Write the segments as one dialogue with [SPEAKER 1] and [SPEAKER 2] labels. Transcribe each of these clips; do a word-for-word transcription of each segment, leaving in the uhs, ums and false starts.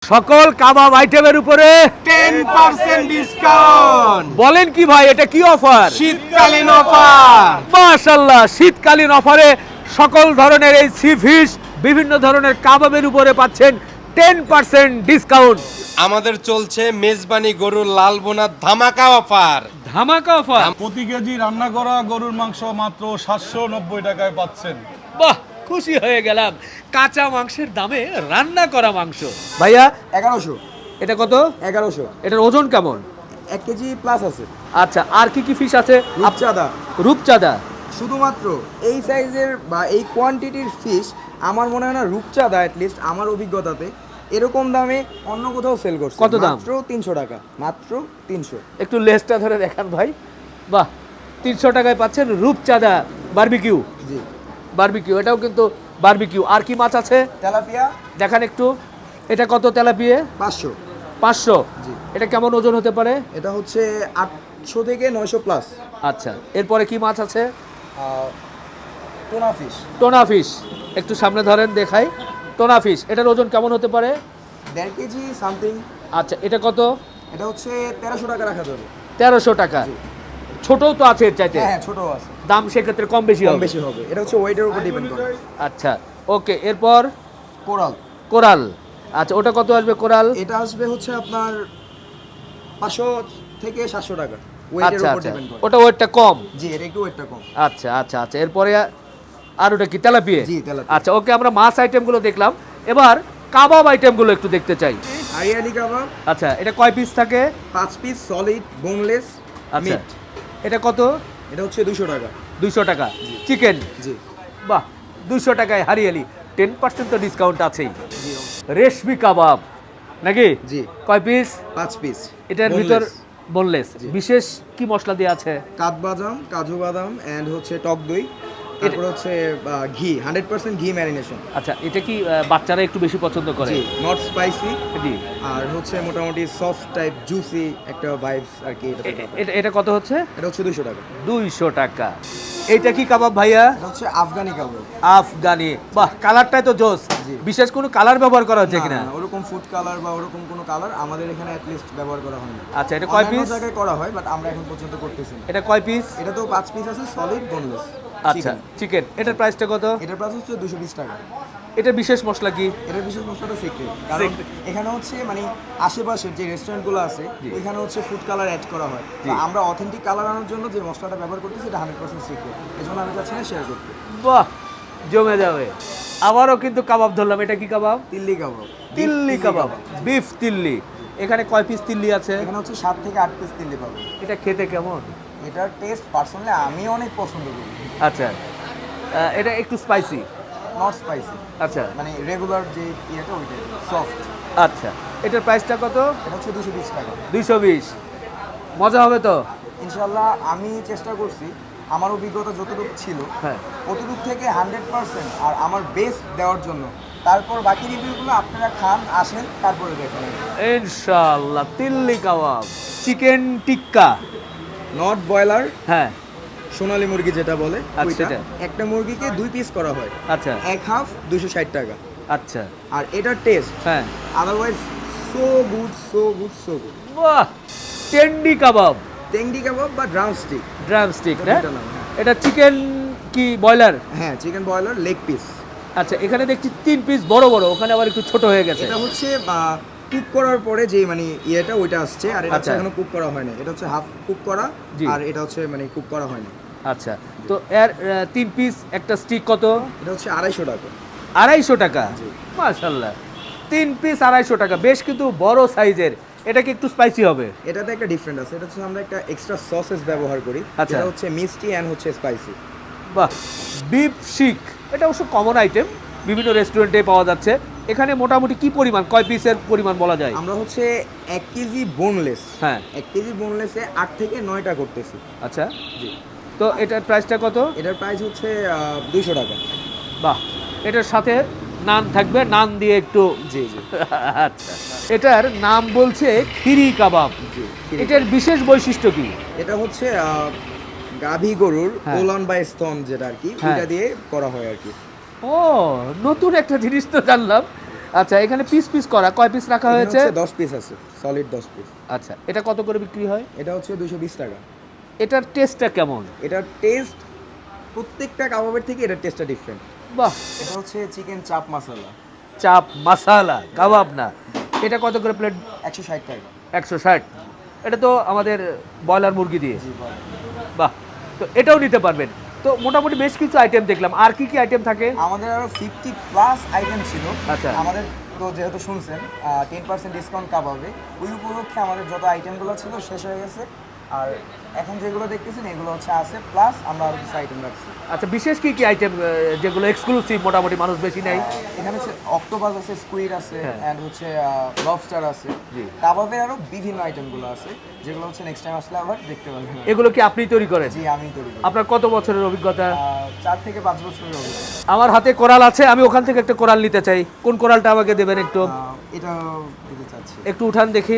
[SPEAKER 1] সকল কাবাব আইটেমের উপরে
[SPEAKER 2] টেন পার্সেন্ট ডিসকাউন্ট।
[SPEAKER 1] বলেন কি ভাই, এটা কি অফার?
[SPEAKER 2] শীতকালীন অফার।
[SPEAKER 1] মাশাআল্লাহ, শীতকালীন অফারে সকল ধরনের এই সি ফিশ, বিভিন্ন ধরনের কাবাবের উপরে পাচ্ছেন টেন পার্সেন্ট ডিসকাউন্ট।
[SPEAKER 2] আমাদের চলছে মেজবানি গরুর লাল বোনার ধামাকা অফার।
[SPEAKER 1] ধামাকা অফার।
[SPEAKER 3] প্রতি কেজি রান্না করা গরুর মাংস মাত্র সাতশো নব্বই টাকায় পাচ্ছেন।
[SPEAKER 1] বাহ, খুশি হয়ে গেলাম। কাঁচা মাংসের দামে রান্না করা মাংস। ভাইয়া
[SPEAKER 4] এগারোশো
[SPEAKER 1] এটা কত?
[SPEAKER 4] এগারোশো
[SPEAKER 1] এটার ওজন কেমন?
[SPEAKER 4] এক কেজি প্লাস আছে।
[SPEAKER 1] আচ্ছা, আর কি কি ফিশ আছে?
[SPEAKER 4] রূপচাঁদা
[SPEAKER 1] রূপচাঁদা।
[SPEAKER 4] শুধুমাত্র এই সাইজের বা এই কোয়ান্টিটির ফিশ আমার মনে হয় না রূপচাঁদা অ্যাটলিস্ট আমার অভিজ্ঞতাতে এরকম দামে অন্য কোথাও সেল করছে।
[SPEAKER 1] কত দাম?
[SPEAKER 4] মাত্র তিনশো টাকা, মাত্র তিনশো।
[SPEAKER 1] একটু লেজটা ধরে দেখান ভাই। বাহ, তিনশো টাকায় পাচ্ছেন রূপচাঁদা বারবিকিউ।
[SPEAKER 4] জি,
[SPEAKER 1] বারবিকিউ, এটাও কিন্তু বারবিকিউ। আর কি মাছ আছে
[SPEAKER 4] তেলাপিয়া
[SPEAKER 1] দেখান একটু। এটা কত তেলাপিয়া?
[SPEAKER 4] পাঁচশো।
[SPEAKER 1] পাঁচশো।
[SPEAKER 4] জি।
[SPEAKER 1] এটা কেমন ওজন হতে পারে?
[SPEAKER 4] এটা হচ্ছে আটশো থেকে নয়শো প্লাস।
[SPEAKER 1] আচ্ছা, এরপরে কি মাছ আছে?
[SPEAKER 4] টোনা ফিশ
[SPEAKER 1] টোনা ফিশ, একটু সামনে ধরেন দেখাই। টোনা ফিশ, এটার ওজন কেমন হতে পারে?
[SPEAKER 4] দেড় কেজি সামথিং।
[SPEAKER 1] আচ্ছা, এটা কত?
[SPEAKER 4] এটা হচ্ছে তেরোশো টাকা রাখা যাবে।
[SPEAKER 1] তেরোশো টাকা। ছোটও তো আছে এর চাইতে।
[SPEAKER 4] হ্যাঁ, ছোট আছে,
[SPEAKER 1] দাম সেক্ষেত্রে কম বেশি
[SPEAKER 4] কম
[SPEAKER 1] হবে।
[SPEAKER 4] বেশি হবে। এটা হচ্ছে ওয়েটের উপর ডিপেন্ড করে।
[SPEAKER 1] আচ্ছা, ওকে। এরপর
[SPEAKER 4] কোরাল।
[SPEAKER 1] কোরাল। আচ্ছা, ওটা কত আসবে কোরাল?
[SPEAKER 4] এটা আসবে হচ্ছে আপনার পাঁচশো থেকে সাতশো টাকা, ওয়েটের
[SPEAKER 1] আচ্ছা
[SPEAKER 4] উপর
[SPEAKER 1] আচ্ছা,
[SPEAKER 4] ডিপেন্ড করে।
[SPEAKER 1] ওটা ওয়েটটা কম।
[SPEAKER 4] জি, এটা একটু ওয়েটটা কম।
[SPEAKER 1] আচ্ছা আচ্ছা আচ্ছা, এরপরে আর ওটা কি তেলাপিয়া?
[SPEAKER 4] জি, তেলাপিয়া।
[SPEAKER 1] আচ্ছা, ওকে, আমরা মাছ আইটেমগুলো দেখলাম। এবার কাবাব আইটেমগুলো একটু দেখতে চাই।
[SPEAKER 4] হারিয়ালি কাবাব
[SPEAKER 1] আচ্ছা, এটা কয় পিস থাকে?
[SPEAKER 4] পাঁচ পিস সলিড বোনলেস
[SPEAKER 1] আচ্ছা,
[SPEAKER 4] মিট।
[SPEAKER 1] এটা কত?
[SPEAKER 4] এটা হচ্ছে দুশো টাকা।
[SPEAKER 1] দুইশো টাকা। চিকেন।
[SPEAKER 4] জি
[SPEAKER 1] বাহ, দুইশো টাকায় হারিয়ালি। টেন পার্সেন্ট তো ডিসকাউন্ট আছেই।
[SPEAKER 4] জি
[SPEAKER 1] রেশমি কাবাব নাকি?
[SPEAKER 4] জি,
[SPEAKER 1] কয় পিস?
[SPEAKER 4] পাঁচ পিস।
[SPEAKER 1] এটার ভিতর বোনলেস।
[SPEAKER 4] জি।
[SPEAKER 1] বিশেষ কি মশলা দেওয়া আছে?
[SPEAKER 4] কাঠবাদাম, কাজু বাদাম এন্ড হচ্ছে টক দই, তারপর হচ্ছে আহ, ঘি, হান্ড্রেড পার্সেন্ট ঘি ম্যারিনেশন।
[SPEAKER 1] আচ্ছা, এটা কি আহ, বাচ্চারা একটু বেশি পছন্দ করে?
[SPEAKER 4] জি, নট স্পাইসি
[SPEAKER 1] জি।
[SPEAKER 4] আর হচ্ছে মোটামুটি সফট টাইপ জুসি একটা ভাইবস আর কি। এটাতে
[SPEAKER 1] এ-
[SPEAKER 4] পাবেন।
[SPEAKER 1] এটা এটা কত হচ্ছে?
[SPEAKER 4] এটা হচ্ছে দুশো টাকা।
[SPEAKER 1] দুইশো টাকা। এইটা কি কাবাব ভাইয়া?
[SPEAKER 4] এটা হচ্ছে আফগানি কাবাব।
[SPEAKER 1] আফগানি। বাহ, কালারটাই তো জোস।
[SPEAKER 4] জি।
[SPEAKER 1] বিশেষ কোনো কালার ব্যবহার করা হচ্ছে
[SPEAKER 4] না,
[SPEAKER 1] কিনা?
[SPEAKER 4] না, ওরকম ফুড কালার বা ওরকম কোনো কালার আমাদের এখানে অ্যাটলিস্ট ব্যবহার করা হয় না।
[SPEAKER 1] আচ্ছা, এটা কয়
[SPEAKER 4] অন্যান্য
[SPEAKER 1] পিস?
[SPEAKER 4] জায়গায় করা হয় বাট আমরা এখন পর্যন্ত করতেছি না।
[SPEAKER 1] এটা কয় পিস?
[SPEAKER 4] এটা তো পাঁচ পিস আছে সলিড বোনলেস।
[SPEAKER 1] আচ্ছা, চিকেন। এটার প্রাইসটা কত?
[SPEAKER 4] এটার প্রাইস হচ্ছে দুশো বিশ টাকা।
[SPEAKER 1] এটা বিশেষ মশলা কি?
[SPEAKER 4] এটার বিশেষ মশলাটা সিক্রেট, কারণ
[SPEAKER 1] Secret।
[SPEAKER 4] এখানে হচ্ছে মানে আশেপাশের যে রেস্টুরেন্টগুলো আছে
[SPEAKER 1] জি।
[SPEAKER 4] ওইখানে হচ্ছে ফুড কালার অ্যাড করা হয়।
[SPEAKER 1] জি।
[SPEAKER 4] তো আমরা অথেন্টিক কালার আনার জন্য যে মশলাটা ব্যবহার করতেছি এটা হান্ড্রেড পার্সেন্ট সিক্রেট, এই জন্য আমি চাচ্ছি না শেয়ার করতে।
[SPEAKER 1] বাহ, জমে যাবে। আবারও কিন্তু কাবাব ধরলাম। এটা কি কাবাব?
[SPEAKER 4] তিল্লি কাবাব।
[SPEAKER 1] তিল্লি কাবাব, বিফ তিল্লি। এখানে কয় পিস তিল্লি আছে?
[SPEAKER 4] এখানে হচ্ছে সাত থেকে আট পিস তিল্লি পাবো।
[SPEAKER 1] এটা খেতে কেমন?
[SPEAKER 4] এটার টেস্ট পার্সোনালি আমি অনেক পছন্দ করি।
[SPEAKER 1] আচ্ছা, আহ, এটা একটু স্পাইসি।
[SPEAKER 4] নট স্পাইসি,
[SPEAKER 1] আচ্ছা
[SPEAKER 4] মানে রেগুলার যে ইয়েটা ওইটাই সফট।
[SPEAKER 1] আচ্ছা, এটার প্রাইসটা কত?
[SPEAKER 4] এটা হচ্ছে দুশো বিশ টাকা।
[SPEAKER 1] দুইশো বিশ। মজা হবে তো?
[SPEAKER 4] ইনশাল্লাহ আমি চেষ্টা করছি আমার অভিজ্ঞতা যতটুকু ছিল
[SPEAKER 1] হ্যাঁ।
[SPEAKER 4] অতটুকু থেকে হান্ড্রেড পার্সেন্ট আর আমার বেস্ট দেওয়ার জন্য। তারপর বাকি রিভিউগুলো আপনারা খান, আসেন, তারপরে দেখেন।
[SPEAKER 1] ইনশাআল্লাহ। তিল্লি kebab, chicken tikka.
[SPEAKER 4] Not broiler,
[SPEAKER 1] হ্যাঁ।
[SPEAKER 4] সোনালী মুরগি যেটা বলে
[SPEAKER 1] আচ্ছা,
[SPEAKER 4] ওইটা।
[SPEAKER 1] সেটা।
[SPEAKER 4] একটা মুরগিকে দুই পিস করা হয়,
[SPEAKER 1] আচ্ছা
[SPEAKER 4] এক হাফ দুশো ষাট টাকা।
[SPEAKER 1] আচ্ছা।
[SPEAKER 4] আর এটার টেস্ট
[SPEAKER 1] হ্যাঁ।
[SPEAKER 4] Otherwise so good, so good, so good.
[SPEAKER 1] বাহ, টেন্ডি কাবাব,
[SPEAKER 4] টেংডি কাবাব বা ড্রাম স্টিক।
[SPEAKER 1] ড্রাম স্টিক
[SPEAKER 4] এটা
[SPEAKER 1] না?
[SPEAKER 4] দুইটা নাম, হ্যাঁ।
[SPEAKER 1] এটা চিকেন কি ব্রয়লার?
[SPEAKER 4] হ্যাঁ, চিকেন ব্রয়লার লেগ পিস।
[SPEAKER 1] আচ্ছা, এখানে দেখছি তিন পিস বড় বড়, ওখানে আবার একটু ছোট হয়ে গেছে।
[SPEAKER 4] এটা হচ্ছে কুক করার পরে যে মানে ইয়েটা ওইটা আসছে, আর এটা হচ্ছে
[SPEAKER 1] আচ্ছা।
[SPEAKER 4] এখনো কুক করা হয়নি। এটা হচ্ছে হাফ কুক করা,
[SPEAKER 1] জি।
[SPEAKER 4] আর এটা হচ্ছে মানে কুক করা হয়নি।
[SPEAKER 1] আচ্ছা, তো এর আহ, তিন পিস একটা স্টিক কত?
[SPEAKER 4] এটা হচ্ছে আড়াইশো টাকা।
[SPEAKER 1] আড়াইশো টাকা।
[SPEAKER 4] জি।
[SPEAKER 1] মাশাআল্লাহ, তিন পিস আড়াইশো টাকা, বেশ কিন্তু বড় সাইজের। এটা কি একটু স্পাইসি হবে?
[SPEAKER 4] এটাতে একটা ডিফারেন্ট আছে, এটা হচ্ছে আমরা একটা এক্সট্রা সসেস ব্যবহার করি,
[SPEAKER 1] আচ্ছা।
[SPEAKER 4] যেটা হচ্ছে মিষ্টি অ্যান্ড হচ্ছে স্পাইসি।
[SPEAKER 1] বাহ, বিফ শিক। এটা অবশ্য কমন আইটেম, বিভিন্ন রেস্টুরেন্টে পাওয়া যাচ্ছে। এখানে মোটামুটি কি পরিমাণ, কয় পিসের পরিমাণ বলা যায়?
[SPEAKER 4] আমরা হচ্ছে এক কেজি বোনলেস,
[SPEAKER 1] হ্যাঁ।
[SPEAKER 4] এক কেজি বোনলেসে আট থেকে নয়টা করতেছি।
[SPEAKER 1] আচ্ছা,
[SPEAKER 4] জি।
[SPEAKER 1] তো এটার প্রাইসটা কত?
[SPEAKER 4] এটার প্রাইস হচ্ছে দুইশো টাকা।
[SPEAKER 1] বাহ, এটার সাথে নান থাকবে, নান দিয়ে একটু।
[SPEAKER 4] জি জি
[SPEAKER 1] আচ্ছা, এটার নাম বলছে খিরি কাবাব।
[SPEAKER 4] জি।
[SPEAKER 1] এটার বিশেষ বৈশিষ্ট্য কি?
[SPEAKER 4] এটা হচ্ছে আহ, গাভী গরুর
[SPEAKER 1] হ্যাঁ।
[SPEAKER 4] কোলন বা স্তন যেটা আর কি,
[SPEAKER 1] হ্যাঁ।
[SPEAKER 4] ওইটা দিয়ে করা হয় আর কি।
[SPEAKER 1] ও, নতুন একটা জিনিস তো জানলাম। আচ্ছা, এখানে পিস পিস করা, কয় পিস রাখা হয়েছে?
[SPEAKER 4] দশ পিস আছে, সলিড দশ পিস।
[SPEAKER 1] আচ্ছা, এটা কত করে বিক্রি হয়?
[SPEAKER 4] এটা হচ্ছে দুশো বিশ টাকা।
[SPEAKER 1] এটার টেস্টটা কেমন?
[SPEAKER 4] এটার টেস্ট প্রত্যেকটা কাবাবের থেকে এটার টেস্টটা ডিফারেন্ট।
[SPEAKER 1] বাহ,
[SPEAKER 4] এটা হচ্ছে চিকেন চাপ মশলা,
[SPEAKER 1] চাপ মাসালা কাবাব না। এটা কত করে প্লেট?
[SPEAKER 4] একশো ষাট টাকা।
[SPEAKER 1] একশো ষাট। এটা তো আমাদের ব্রয়লার মুরগি দিয়ে।
[SPEAKER 4] জি বল।
[SPEAKER 1] বাহ, তো এটাও নিতে পারবেন। তো মোটামুটি বেশ কিছু আইটেম দেখলাম, আর কি কি আইটেম থাকে?
[SPEAKER 4] আমাদের আরো ফিফটি প্লাস আইটেম ছিল।
[SPEAKER 1] আচ্ছা।
[SPEAKER 4] আমাদের তো যেহেতু শুনছেন টেন পার্সেন্ট ডিসকাউন্ট কাবাবে, ওই উপলক্ষে আমাদের যত আইটেমগুলো ছিল শেষ হয়ে গেছে। আর এখন যেগুলো দেখতেছেন এগুলো হচ্ছে আছে, প্লাস আমরা আরো কিছু আইটেম রাখছি।
[SPEAKER 1] আচ্ছা, বিশেষ কি কি আইটেম যেগুলো এক্সক্লুসিভ মোটামুটি মানুষ বেশি নেয়?
[SPEAKER 4] এখানে হচ্ছে অক্টোপাস আছে, স্কুইড আছে,
[SPEAKER 1] হ্যাঁ।
[SPEAKER 4] এন্ড হচ্ছে লবস্টার আছে।
[SPEAKER 1] জি।
[SPEAKER 4] কাবাবের আরো বিভিন্ন আইটেমগুলো আছে, যেগুলো হচ্ছে নেক্সট টাইম আসলে আবার দেখতে পাবেন।
[SPEAKER 1] এগুলো কি আপনি তৈরি করেন?
[SPEAKER 4] জি, আমি তৈরি করি।
[SPEAKER 1] আপনার কত বছরের অভিজ্ঞতা?
[SPEAKER 4] আহ, চার থেকে পাঁচ বছরের অভিজ্ঞতা।
[SPEAKER 1] আমার হাতে কোরাল আছে, আমি ওখান থেকে একটা কোরাল নিতে চাই। কোন কোরালটা আমাকে দেবেন একটু?
[SPEAKER 4] আহ, এটা দিতে চাচ্ছি।
[SPEAKER 1] একটু উঠান দেখি।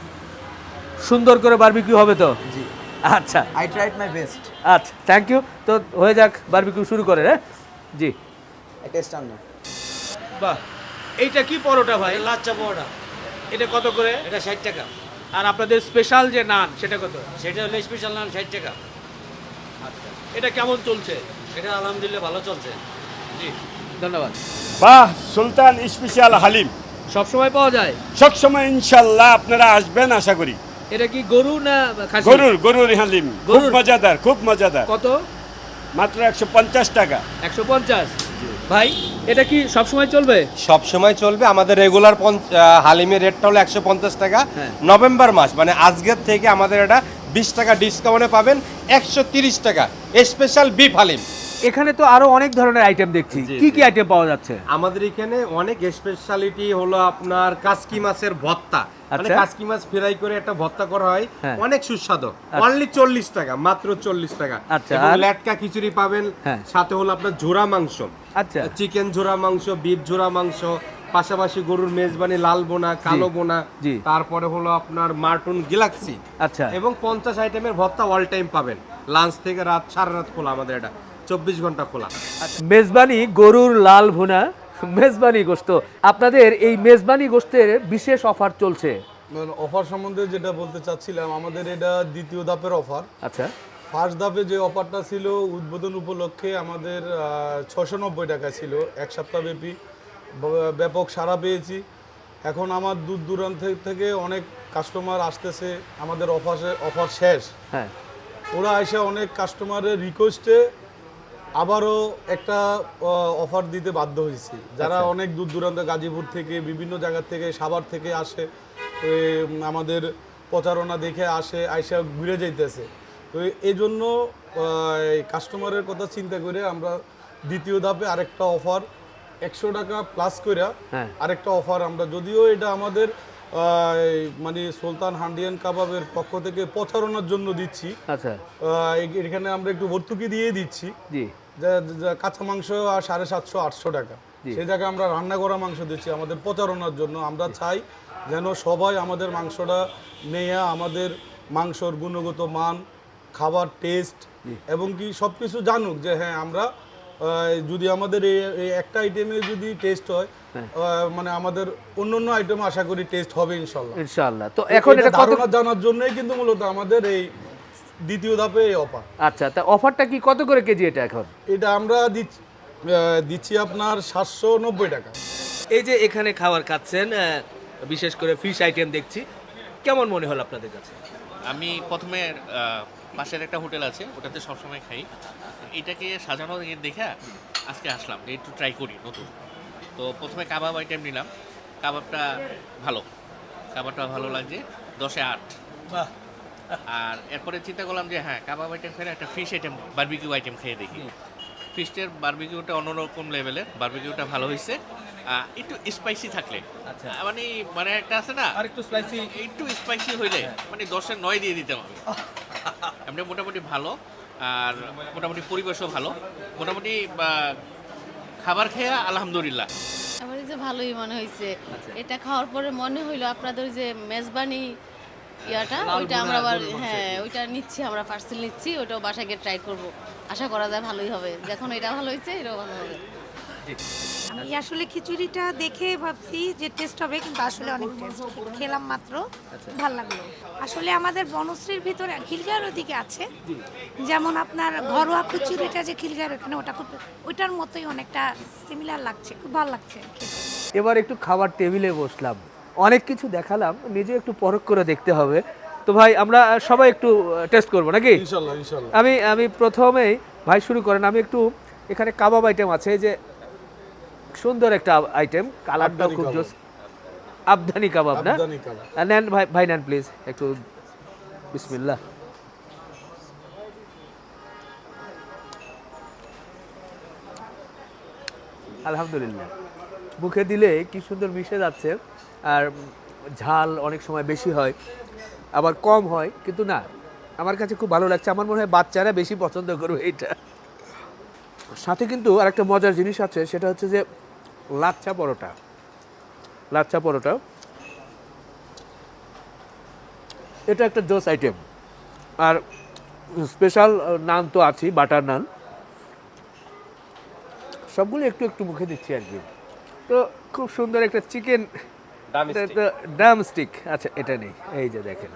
[SPEAKER 1] সুন্দর করে বারবিকিউ হবে তো?
[SPEAKER 4] জি,
[SPEAKER 1] আচ্ছা
[SPEAKER 4] আই ট্রাইড মাই বেস্ট।
[SPEAKER 1] আচ্ছা, থ্যাংক ইউ। তো হয়ে যাক, বারবিকিউ শুরু করে। হ্যাঁ জি।
[SPEAKER 4] টেস্ট আন না।
[SPEAKER 1] বাহ, এইটা কি পরোটা ভাই?
[SPEAKER 5] লাচ্চা পরোটা,
[SPEAKER 1] এটা কত করে?
[SPEAKER 5] এটা ষাট টাকা।
[SPEAKER 1] আর আপনাদের স্পেশাল যে নান সেটা কত?
[SPEAKER 5] সেটা হলো স্পেশাল নান ষাট টাকা।
[SPEAKER 1] আচ্ছা, এটা কেমন চলছে?
[SPEAKER 5] এটা আলহামদুলিল্লাহ ভালো চলছে।
[SPEAKER 1] জি, ধন্যবাদ।
[SPEAKER 6] বাহ, সুলতান স্পেশাল হালিম
[SPEAKER 1] সব সময় পাওয়া যায়?
[SPEAKER 6] সবসময় ইনশাল্লাহ আপনারা আসবেন আশা করি।
[SPEAKER 1] এটা কি গরু না খাসি?
[SPEAKER 6] গরুর গরুর হালিম খুব
[SPEAKER 1] গরুর?
[SPEAKER 6] মজাদার, খুব মজাদার।
[SPEAKER 1] কত?
[SPEAKER 6] মাত্র একশো পঞ্চাশ টাকা।
[SPEAKER 1] একশো পঞ্চাশ। ভাই, এটা কি সব সময় চলবে?
[SPEAKER 2] সব সময় চলবে। আমাদের রেগুলার হালিমের রেটটা হলো একশো পঞ্চাশ টাকা।
[SPEAKER 1] হ্যাঁ।
[SPEAKER 2] নভেম্বর মাস মানে আজকের থেকে আমাদের এটা বিশ টাকা ডিসকাউন্টে পাবেন একশো তিরিশ টাকা স্পেশাল বিফ হালিম।
[SPEAKER 1] এখানে তো আরো অনেক ধরনের আইটেম দেখছি,
[SPEAKER 2] জি,
[SPEAKER 1] কি
[SPEAKER 2] জি।
[SPEAKER 1] কি আইটেম পাওয়া যাচ্ছে?
[SPEAKER 2] আমাদের এখানে অনেক স্পেশালিটি হলো আপনার কাসকি মাছের ভর্তা, মানে
[SPEAKER 1] আচ্ছা।
[SPEAKER 2] কাসকি মাছ ফ্রাই করে একটা ভর্তা করা হয়,
[SPEAKER 1] হ্যাঁ।
[SPEAKER 2] অনেক সুস্বাদু। অনলি চল্লিশ টাকা, মাত্র চল্লিশ টাকা।
[SPEAKER 1] আচ্ছা,
[SPEAKER 2] এবং
[SPEAKER 1] আর?
[SPEAKER 2] ল্যাটকা খিচুড়ি পাবেন,
[SPEAKER 1] হ্যাঁ।
[SPEAKER 2] সাথে হলো আপনার ঝোড়া মাংস,
[SPEAKER 1] আচ্ছা।
[SPEAKER 2] চিকেন ঝোড়া মাংস, বিফ ঝোড়া মাংস, পাশাপাশি গরুর মেজবানি লাল বোনা, কালো বোনা,
[SPEAKER 1] জি।
[SPEAKER 2] তারপরে হলো আপনার মার্টুন গ্যালাক্সি,
[SPEAKER 1] আচ্ছা।
[SPEAKER 2] এবং পঞ্চাশ আইটেমের ভর্তা অল টাইম পাবেন। লাঞ্চ থেকে রাত সারা রাত খোলা, আমাদের এটা চব্বিশ ঘন্টা খোলা।
[SPEAKER 1] মেজবানি গরুর লাল ভুনা, মেজবানি গোশত। আপনাদের এই মেজবানি গোশতের বিশেষ অফার চলছে।
[SPEAKER 3] অফার সম্বন্ধে যেটা বলতে চাচ্ছিলাম, আমাদের এটা দ্বিতীয় ধাপের অফার।
[SPEAKER 1] আচ্ছা।
[SPEAKER 3] ফার্স্ট ধাপে যে অফারটা ছিল উদ্বোধন উপলক্ষে আমাদের ছশো নব্বই টাকা ছিল, এক সপ্তাহব্যাপী ব- ব্যাপক সাড়া পেয়েছি। এখন আমার দূর দূরান্ত থেকে অনেক কাস্টমার আসতেছে, আমাদের অফারে অফার শেষ,
[SPEAKER 1] হ্যাঁ।
[SPEAKER 3] ওরা এসে অনেক কাস্টমারের রিকোয়েস্টে আবারও একটা অফার দিতে বাধ্য হয়েছি। যারা
[SPEAKER 1] আচ্ছা।
[SPEAKER 3] অনেক দূর দূরান্ত, গাজীপুর থেকে, বিভিন্ন জায়গা থেকে, সাভার থেকে আসে, তো এ, আমাদের প্রচারণা দেখে আসে, আইসা ঘুরে যাইতেছে। তো এই জন্য কাস্টমারের কথা চিন্তা করে আমরা দ্বিতীয় ধাপে আরেকটা অফার একশো টাকা প্লাস করে
[SPEAKER 1] হ্যাঁ।
[SPEAKER 3] আরেকটা অফার আমরা, যদিও এটা আমাদের আহ, মানে সুলতান হান্ডিয়ান কাবাবের পক্ষ থেকে প্রচারণার জন্য দিচ্ছি।
[SPEAKER 1] আচ্ছা।
[SPEAKER 3] আহ, এ- এখানে আমরা একটু ভর্তুকি দিয়ে দিচ্ছি,
[SPEAKER 1] জি।
[SPEAKER 3] যা- যা- কাঁচা মাংস আর সাড়ে সাতশো আটশো টাকা,
[SPEAKER 1] জি।
[SPEAKER 3] সেই জায়গায় আমরা রান্না করা মাংস দিচ্ছি আমাদের প্রচারণার জন্য। আমরা চাই যেন সবাই আমাদের মাংসটা নেয়া, আমাদের মাংসর গুণগত মান, খাবার টেস্ট এবং কি সব কিছু জানুক যে হ্যাঁ আমরা আহ, যদি আমাদের এই এই একটা আইটেমে যদি টেস্ট হয়,
[SPEAKER 1] হ্যাঁ।
[SPEAKER 3] আহ, মানে আমাদের অন্য অন্য আইটেম আশা করি টেস্ট হবে ইনশাল্লাহ।
[SPEAKER 1] ইনশাআল্লাহ। তো এখন এটা কত?
[SPEAKER 3] ধারণা জানার জন্যই কিন্তু মূলত আমাদের এই দ্বিতীয় ধাপে এই অফার।
[SPEAKER 1] আচ্ছা, তা অফারটা কি কত করে কেজি এটা এখন?
[SPEAKER 3] এটা আমরা দিচ্ছি আহ, দিচ্ছি আপনার সাতশো নব্বই টাকা।
[SPEAKER 1] এই যে এখানে খাবার খাচ্ছেন, আহ, বিশেষ করে ফিশ আইটেম দেখছি, কেমন মনে হলো আপনাদের কাছে?
[SPEAKER 7] আমি প্রথমে আহ, পাশের একটা হোটেল আছে, ওটাতে সবসময় খাই। এটাকে সাজানো দেখে আজকে আসলাম যে একটু ট্রাই করি নতুন। তো প্রথমে কাবাব আইটেম নিলাম, কাবাবটা ভালো, কাবাবটা ভালো লাগছে, দশে আট।
[SPEAKER 1] বাহ।
[SPEAKER 7] আর এরপরে চিন্তা করলাম যে হ্যাঁ, কাবাব আইটেম খেলে একটা ফিশ আইটেম, বারবিকিউ আইটেম খেয়ে দেখি। ফিশের বারবিকিউটা অন্যরকম লেভেলের, বারবিকিউটা ভালো হয়েছে। আহ, একটু স্পাইসি থাকলে,
[SPEAKER 1] আচ্ছা।
[SPEAKER 7] আহ, মানে মানে একটা আছে না,
[SPEAKER 1] আর একটু স্পাইসি।
[SPEAKER 7] একটু স্পাইসি হইলে মানে দশের নয় দিয়ে দিতে হবে। এমনি মোটামুটি ভালো, আর মোটামুটি পরিবেশও ভালো, মোটামুটি বা, খাবার খেয়ে আলহামদুলিল্লাহ।
[SPEAKER 8] আমার এই যে ভালোই মনে হয়েছে।
[SPEAKER 1] আচ্ছা।
[SPEAKER 8] এটা খাওয়ার পরে মনে হইলো আপনাদের যে মেজবানি ইয়াটা,
[SPEAKER 1] লাল
[SPEAKER 8] ওইটা
[SPEAKER 1] ভুনা,
[SPEAKER 8] আমরা আবার
[SPEAKER 1] গরুর মাংস।
[SPEAKER 8] হ্যাঁ ওইটা নিচ্ছি, আমরা পার্সেল নিচ্ছি, ওইটাও বাসায় গিয়ে ট্রাই করব। আশা করা যায় ভালোই হবে, যখন এটা ভালো হয়েছে এটাও ভালো হবে।
[SPEAKER 9] আমি আসলে খিচুড়িটা দেখে ভাবছি যে টেস্ট হবে, কিন্তু আসলে অনেক টেস্ট। খেলাম মাত্র, ভাল লাগলো। আসলে আমাদের বনশ্রীর ভিতরে খিলগাঁওয়ের ওদিকে আছে, যেমন আপনার ঘরোয়া খিচুড়িটা যে খিলগাঁওয়ের ওখানে, ওটা খুব ওইটার মতোই অনেকটা সিমিলার লাগছে, খুব ভালো লাগছে খেতে।
[SPEAKER 1] এবার একটু খাবার টেবিলে বসলাম, অনেক কিছু দেখালাম, নিজে একটু পরখ করে দেখতে হবে। তো ভাই আমরা সবাই একটু টেস্ট করবো নাকি?
[SPEAKER 3] ইনশাল্লাহ ইনশাল্লাহ।
[SPEAKER 1] আমি আমি প্রথমেই ভাই শুরু করেন। আমি একটু এখানে কাবাব আইটেম আছে, এই যে সুন্দর একটা আইটেম, কালারটাও
[SPEAKER 3] আবদানি
[SPEAKER 1] খুব
[SPEAKER 3] কাবাব।
[SPEAKER 1] জোস। আবধানি কাবাব না?
[SPEAKER 3] আবদানি কাবাব।
[SPEAKER 1] আহ, নেন ভাই, ভাই নেন প্লিজ একটু। বিসমিল্লাহ। আলহামদুলিল্লাহ, মুখে দিলে কি সুন্দর মিশে যাচ্ছে। আর ঝাল অনেক সময় বেশি হয়, আবার কম হয়, কিন্তু না, আমার কাছে খুব ভালো লাগছে। আমার মনে হয় বাচ্চারা বেশি পছন্দ করবে এটা। সাথে কিন্তু আরেকটা মজার জিনিস আছে, সেটা হচ্ছে যে লাচ্ছা পরোটা। লাচ্ছা পরোটা এটা একটা জোস আইটেম। আর স্পেশাল নান তো আছেই, বাটার নান। সবগুলো একটু একটু মুখে দিচ্ছি আর কি। তো খুব সুন্দর একটা চিকেন ড্রাম স্টিক। আচ্ছা, এটা নেই, এই যে দেখেন।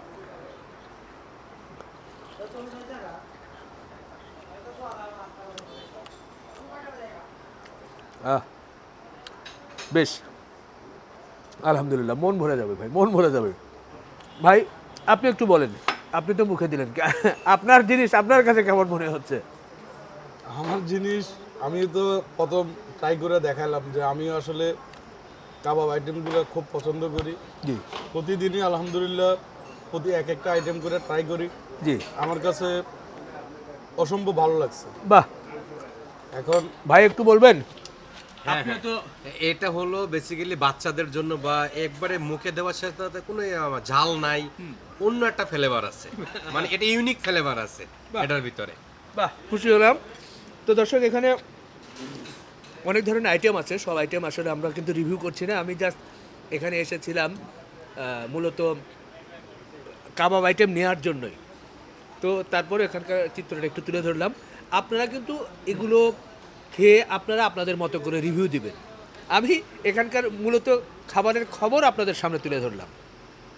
[SPEAKER 1] আহ বেশ, আলহামদুলিল্লাহ, মন ভরে যাবে ভাই, মন ভরে যাবে। ভাই আপনি একটু বলেন, আপনি তো মুখে দিলেন, আপনার জিনিস আপনার কাছে কেমন মনে হচ্ছে?
[SPEAKER 3] আমার জিনিস আমি তো প্রথম ট্রাই করে দেখালাম যে আমিও আসলে কাবাব আইটেমগুলো খুব পছন্দ করি।
[SPEAKER 1] জি
[SPEAKER 3] প্রতিদিনই আলহামদুলিল্লাহ প্রতি এক একটা আইটেম করে ট্রাই করি।
[SPEAKER 1] জি,
[SPEAKER 3] আমার কাছে অসম্ভব ভালো লাগছে।
[SPEAKER 1] বাহ।
[SPEAKER 3] এখন
[SPEAKER 1] ভাই একটু বলবেন?
[SPEAKER 2] হ্যাঁ, হ্যাঁ। এটা হলো বেসিক্যালি বাচ্চাদের জন্য, বা একবারে মুখে দেওয়ার সাথে সাথে কোনো আহ, ঝাল নাই, অন্য একটা ফ্লেভার আছে, মানে এটা ইউনিক ফ্লেভার আছে এটার ভিতরে।
[SPEAKER 1] বাহ, খুশি হলাম। তো দর্শক, এখানে অনেক ধরনের আইটেম আছে, সব আইটেম আসলে আমরা কিন্তু রিভিউ করছি না। আমি জাস্ট এখানে এসেছিলাম আহ, মূলত কাবাব আইটেম নেওয়ার জন্যই। তো তারপরে এখানকার চিত্রটা একটু তুলে ধরলাম। আপনারা কিন্তু এগুলো খেয়ে আপনারা আপনাদের মতো করে রিভিউ দিবেন। আমি এখানকার মূলত খাবারের খবর আপনাদের সামনে তুলে ধরলাম।